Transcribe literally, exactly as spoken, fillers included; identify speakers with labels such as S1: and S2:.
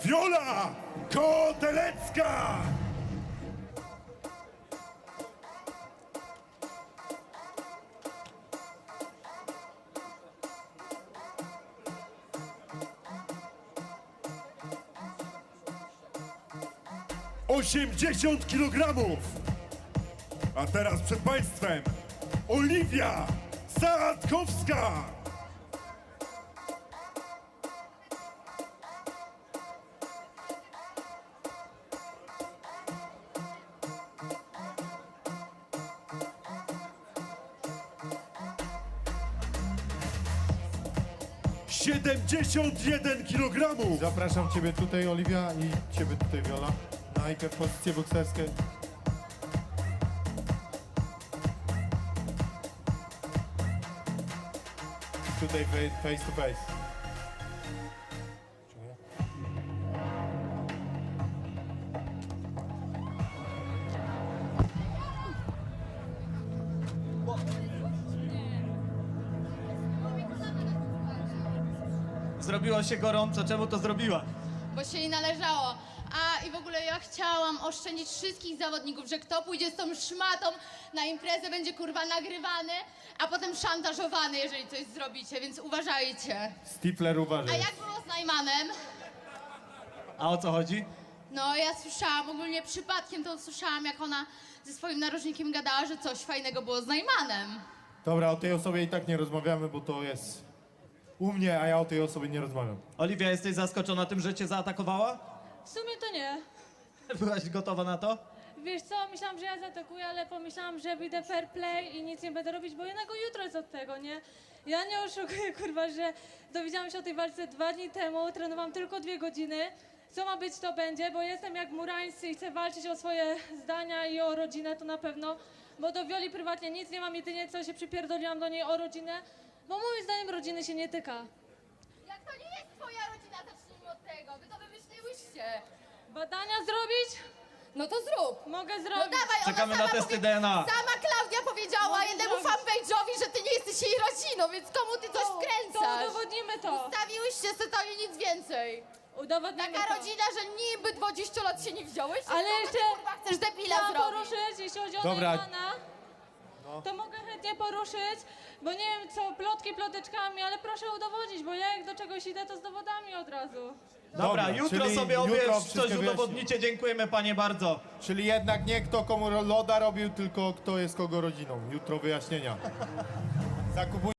S1: Wiola Kotelecka! osiemdziesiąt kilogramów! A teraz przed Państwem Oliwia Sadkowska! siedemdziesiąt jeden kilogramów!
S2: Zapraszam Ciebie tutaj, Oliwia, i Ciebie tutaj, Wiola. Najpierw pozycje bokserskie. Tutaj face to face.
S3: Zrobiło się gorąco, czemu to zrobiła?
S4: Bo się jej należało. A i w ogóle ja chciałam oszczędzić wszystkich zawodników, że kto pójdzie z tą szmatą na imprezę, będzie kurwa nagrywany, a potem szantażowany, jeżeli coś zrobicie, więc uważajcie.
S2: Stifler,
S4: A
S2: uważaj.
S4: jak było z Najmanem?
S3: A o co chodzi?
S4: No ja słyszałam, ogólnie przypadkiem to słyszałam, jak ona ze swoim narożnikiem gadała, że coś fajnego było z Najmanem.
S2: Dobra, o tej osobie i tak nie rozmawiamy, bo to jest u mnie, a ja o tej osobie nie rozmawiam.
S3: Oliwia, jesteś zaskoczona tym, że cię zaatakowała?
S5: W sumie to nie.
S3: Byłaś gotowa na to?
S5: Wiesz co, myślałam, że ja zaatakuję, ale pomyślałam, że wyjdę fair play i nic nie będę robić, bo jednego jutro jest od tego, nie? Ja nie oszukuję, kurwa, że dowiedziałam się o tej walce dwa dni temu, trenowałam tylko dwie godziny. Co ma być, to będzie, bo jestem jak murańscy i chcę walczyć o swoje zdania i o rodzinę, to na pewno. Bo do Wioli prywatnie nic nie mam, jedynie co się przypierdoliłam do niej o rodzinę, bo moim zdaniem rodziny się nie tyka.
S4: Jak to nie jest twoja rodzina, zacznijmy od tego, wy to wymyśliłyście.
S5: Badania zrobić?
S4: No to zrób.
S5: Mogę
S4: No
S5: zrobić.
S4: dawaj, ona
S3: Czekamy
S4: sama
S3: na testy
S4: powie-
S3: D N A.
S4: Sama Klaudia powiedziała
S5: Mogę
S4: jednemu
S5: zrobić.
S4: fanpage'owi, że ty nie jesteś jej rodziną, więc komu ty coś
S5: To
S4: wkręcasz?
S5: udowodnimy to.
S4: Stawiłyście se to i nic więcej.
S5: Udowodnimy
S4: Taka
S5: to.
S4: rodzina, że niby dwadzieścia lat się nie wziąłeś,
S5: Ale
S4: to
S5: jeszcze
S4: ty, kurwa, chcesz debila
S5: chciałam
S4: zrobić.
S5: poruszyć, jeśli chodzi o
S2: Dobra.
S5: Neymana, to mogę chętnie poruszyć, bo nie wiem co, plotki ploteczkami, ale proszę udowodnić, bo ja jak do czegoś idę, to z dowodami od razu.
S3: Dobra,
S2: Dobra,
S3: jutro
S2: czyli
S3: sobie
S2: jutro
S3: obie
S2: wszystko
S3: coś
S2: wyjaśnimy.
S3: udowodnicie. Dziękujemy panie bardzo.
S2: Czyli jednak nie kto komu loda robił, tylko kto jest kogo rodziną. Jutro wyjaśnienia. Zakupuj